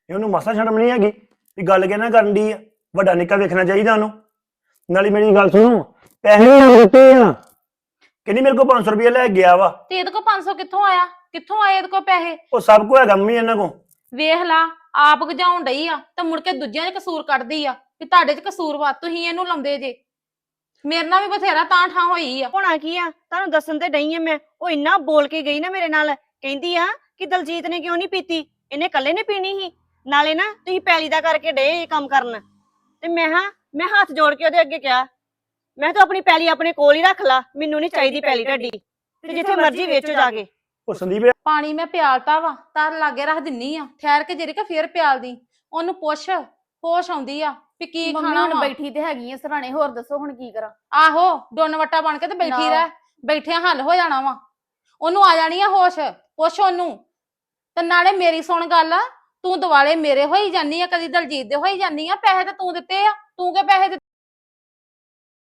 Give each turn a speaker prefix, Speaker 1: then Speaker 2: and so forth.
Speaker 1: ਇਹਨੂੰ ਮਾਸਾ ਸ਼ਰਮ ਨਹੀਂ ਹੈਗੀ ਵੀ ਗੱਲ ਕਿਹਨਾਂ ਕਰਨ ਦੀ ਆ। ਵੱਡਾ ਨਿੱਕਾ ਵੇਖਣਾ ਚਾਹੀਦਾ ਉਹਨੂੰ। ਨਾਲੇ ਮੇਰੀ ਗੱਲ ਸੁਣੋ, ਪੈਸੇ ਦਿੱਤੇ ਆ, ਕਹਿੰਦੀ ਮੇਰੇ ਕੋਲ 500 ਰੁਪਏ ਲੈ ਗਿਆ ਵਾ।
Speaker 2: ਤੇ ਇਹਦੇ ਕੋਲ 500 ਕਿੱਥੋਂ ਆਇਆ? ਕਿੱਥੋਂ ਆਏ ਇਹਦੇ ਕੋਲ ਪੈਸੇ?
Speaker 1: ਉਹ ਸਭ ਕੁਝ ਹੈਗਾ ਮੰਮੀ ਇਹਨਾਂ ਕੋਲ।
Speaker 2: ਵੇਖ ਲਾ, ਆਪ ਗਜਾਉਣ ਡਈ ਆ ਤੇ ਮੁੜ ਕੇ ਦੂਜਿਆਂ 'ਚ ਕਸੂਰ ਕੱਢਦੀ ਆ ਵੀ ਤੁਹਾਡੇ 'ਚ ਕਸੂਰ ਵਾ, ਤੁਸੀਂ ਇਹਨੂੰ ਲਾਉਂਦੇ ਜੇ। ਮੇਰੇ ਨਾਲ ਵੀ ਬਥੇਰਾ ਤਾਂ ਠਾਂ ਹੋਈ ਆ।
Speaker 3: ਹੋਣਾ ਕੀ ਆ, ਤੁਹਾਨੂੰ ਦੱਸਣ ਤੇ ਡਈ ਆ ਮੈਂ। ਉਹ ਇੰਨਾ ਬੋਲ ਕੇ ਗਈ ਨਾ ਮੇਰੇ ਨਾਲ, ਕਹਿੰਦੀ ਆ ਕਿ ਦਲਜੀਤ ਨੇ ਕਿਉਂ ਨਹੀਂ ਪੀਤੀ, ਇਹਨੇ ਇਕੱਲੇ ਨੇ ਪੀਣੀ ਸੀ। ਨਾਲੇ ਨਾ ਤੁਸੀਂ ਪੈਲੀ ਦਾ ਕਰਕੇ ਡੇ ਇਹ ਕੰਮ ਕਰਨ। ਤੇ ਮੈਂ ਹੱਥ ਜੋੜ ਕੇ ਉਹਦੇ ਅੱਗੇ ਕਿਹਾ, ਮੈਂ ਤਾਂ ਆਪਣੀ ਪੈਲੀ ਆਪਣੇ ਕੋਲ ਹੀ ਰੱਖ ਲਾ, ਮੈਨੂੰ ਨਹੀਂ ਚਾਹੀਦੀ ਪੈਲੀ ਢੱਡੀ, ਤੇ ਜਿੱਥੇ ਮਰਜ਼ੀ ਵੇਚੋ ਜਾ ਕੇ।
Speaker 1: ਉਹ ਸੰਦੀਪ
Speaker 2: ਪਾਣੀ ਮੈਂ ਪਿਆਲਤਾ ਵਾ, ਤਾਂ ਲਾਗੇ ਰੱਖ ਦਿੰਨੀ ਆ, ਠਹਿਰ ਕੇ ਜਿਹੜੇ ਕਿ ਫੇਰ ਪਿਆਲਦੀ। ਉਹਨੂੰ ਪੁੱਛ, ਹੋਸ਼ ਆਉਂਦੀ ਆ ਵੀ ਕੀ ਖਾਣਾ
Speaker 4: ਹੁਣ
Speaker 2: ਵਾ।
Speaker 4: ਬੈਠੀ ਤੇ ਹੈਗੀ ਆ ਸਰਾਣੇ, ਹੋਰ ਦੱਸੋ ਹੁਣ ਕੀ ਕਰਾਂ?
Speaker 2: ਆਹੋ, ਡੋਨ ਵੱਟਾ ਬਣ ਕੇ ਤੇ ਬੈਠੀ
Speaker 4: ਨਾ।
Speaker 2: ਰਹਿ, ਬੈਠਿਆ ਹੱਲ ਹੋ ਜਾਣਾ ਵਾ। ਉਹਨੂੰ ਆ ਜਾਣੀ ਆ ਹੋਸ਼, ਪੁੱਛ ਉਹਨੂੰ। ਤੇ ਨਾਲੇ ਮੇਰੀ ਸੁਣ ਗੱਲ, ਤੂੰ ਦਿਵਾਲੇ ਮੇਰੇ ਹੋਈ ਜਾਨੀ ਆ, ਕਦੀ ਦਲਜੀਤ ਦੇ ਹੋਈ ਜਾਨੀ ਆ। ਪੈਸੇ ਤਾਂ ਤੂੰ ਦਿੱਤੇ ਆ, ਤੂੰ ਕਿ ਪੈਸੇ